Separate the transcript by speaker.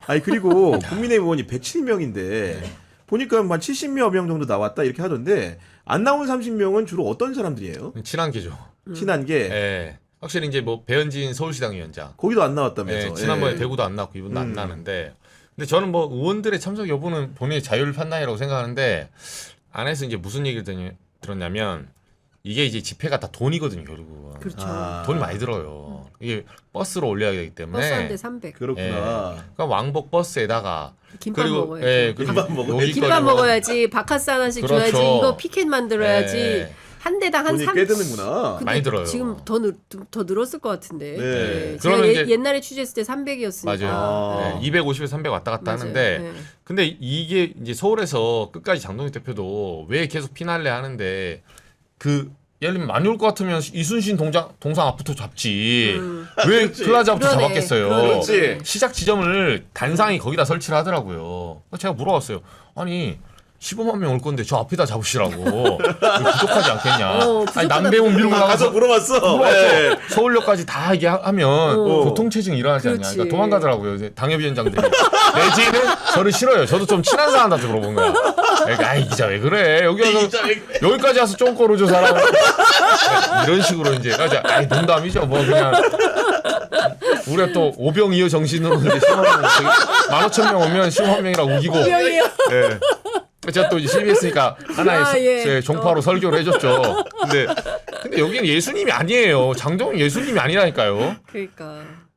Speaker 1: 아니 그리고 국민의힘 의원이 107명인데 보니까 한 70여 명 정도 나왔다 이렇게 하던데 안 나온 30명은 주로 어떤 사람들이에요?
Speaker 2: 친한 게죠.
Speaker 1: 친한 게
Speaker 2: 예. 확실히 이제 뭐 배현진 서울시당 위원장.
Speaker 1: 거기도 안 나왔다면서.
Speaker 2: 예, 지난번에
Speaker 1: 예.
Speaker 2: 대구도 안 나왔고 이번도 안 나는데. 근데 저는 뭐 의원들의 참석 여부는 본인의 자율 판단이라고 생각하는데 안에서 이제 무슨 얘기를 들었냐면 이게 이제 집회가 다 돈이거든요, 결국은.
Speaker 3: 그렇죠.
Speaker 1: 아.
Speaker 2: 돈이 많이 들어요. 이게 버스로 올려야 되기 때문에.
Speaker 3: 버스 한 대 300.
Speaker 1: 그렇구나.
Speaker 2: 예. 그러니까 왕복 버스에다가
Speaker 3: 김밥
Speaker 2: 그리고
Speaker 3: 먹어야지.
Speaker 2: 예, 그리고
Speaker 1: 김밥 먹어야지.
Speaker 2: 여기까지
Speaker 3: 김밥
Speaker 2: 뭐-
Speaker 3: 먹어야지. 바카스 하나씩
Speaker 2: 그렇죠.
Speaker 3: 줘야지. 이거 피켓 만들어야지.
Speaker 2: 예.
Speaker 3: 한 대당 한
Speaker 1: 돈이
Speaker 3: 3.
Speaker 1: 꽤 드는구나.
Speaker 3: 근데
Speaker 2: 많이 들어요.
Speaker 3: 지금 더 늘었을 것 같은데.
Speaker 1: 네.
Speaker 3: 예. 제가
Speaker 2: 그러면 이제-
Speaker 3: 옛날에 취재했을 때 300이었으니까.
Speaker 2: 맞아요.
Speaker 1: 아.
Speaker 2: 네, 250에서 300 왔다 갔다 하는데
Speaker 3: 네.
Speaker 2: 근데 이게 이제 서울에서 끝까지 장동익 대표도 왜 계속 피날레 하는데 그 예를 들면 많이 올 것 같으면 이순신 동상 앞부터 잡지 왜 플라자부터
Speaker 3: 그러네.
Speaker 2: 잡았겠어요.
Speaker 1: 그렇지.
Speaker 2: 시작 지점을 단상이 거기다 설치를 하더라고요. 제가 물어봤어요. 아니 15만 명 올 건데 저 앞에다 잡으시라고 왜 부족하지 않겠냐.
Speaker 3: 부족하다.
Speaker 2: 아니 남배우 밀고
Speaker 1: 가서
Speaker 2: 나가서
Speaker 1: 물어봤어. 예.
Speaker 2: 서울역까지 다 이게 하면 교통체증 일어나지 않냐.
Speaker 3: 그렇지.
Speaker 2: 그러니까 도망가더라고요. 이제 당협위원장들이. 내지는 저를 싫어요. 저도 좀 친한 사람한테 물어본 거야. 그러니까 아이 기자 왜 그래? 여기 와서 여기까지 와서 좀 걸어줘 사람. 이런 식으로 이제 아이 농담이죠. 뭐 그냥 우리가 또 오병이어 정신으로 이제 15,000명 오면 15만 명이라고 우기고.
Speaker 3: 오병이어.
Speaker 2: 예. 제가 또 CBS니까 하나의
Speaker 3: 예.
Speaker 2: 종파로 설교를 해줬죠. 근데 여기는 예수님이 아니에요. 장동익 예수님이 아니라니까요.
Speaker 3: 그러니까.